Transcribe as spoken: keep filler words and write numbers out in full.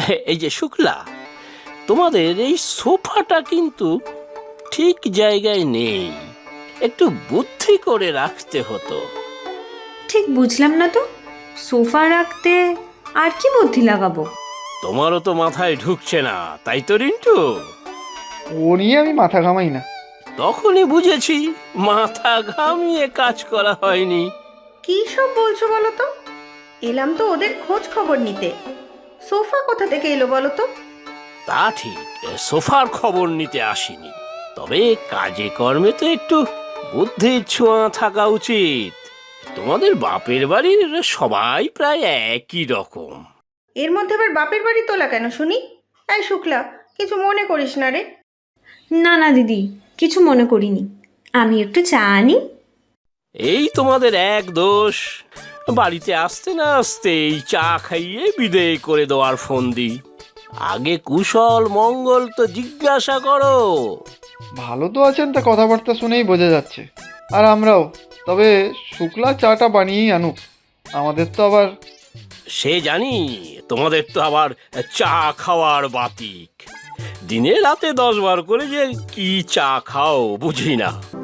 এই যে শুক্লা, তোমাদের এই সোফাটা কিন্তু ঠিক জায়গায় নেই, একটু বুদ্ধি করে রাখতে হতো। ঠিক বুঝলাম না তো, সোফা রাখতে আর কি বুদ্ধি লাগাবো? তোমারও তো মাথায় ঢুকছে না, তাই তো রিন্টু? ও নিয়ে আমি মাথা ঘামাই না। তখনই বুঝেছি মাথা ঘামিয়ে কাজ করা হয়নি। কি সব বলছো বলো তো? এলাম তো ওদের খোঁজ খবর নিতে। সোফা কোথা থেকে এলো বলো তো? তা ঠিক, সোফার খবর নিতে আসিনি, তবে কাজে কর্মে তো একটু বুদ্ধির ছোঁয়া থাকা উচিত। তোমাদের বাপের বাড়ির সবাই প্রায় একই রকম। এর মধ্যে আবার বাপের বাড়ি তোলা কেন শুনি? এই শুক্লা, কিছু মনে করিস না রে। না না দিদি, কিছু মনে করিনি। আমি একটু চা আনি। এই তোমাদের এক দোষ, বাড়িতে আসতে না আসতেই চা খাইয়ে বিদেয় করে দেওয়ার ফন্দি। আগে কুশল মঙ্গল তো জিজ্ঞাসা করো। ভালো তো আছেন, তা কথাবার্তা শুনেই বোঝা যাচ্ছে। আর আমরাও। তবে শুক্লা চাটা বানিয়েই আনুক, আমাদের তো আবার। সে জানি, তোমাদের তো আবার চা খাওয়ার বাতিক। দিনে রাতে দশ বার করে যে কি চা খাও বুঝি না।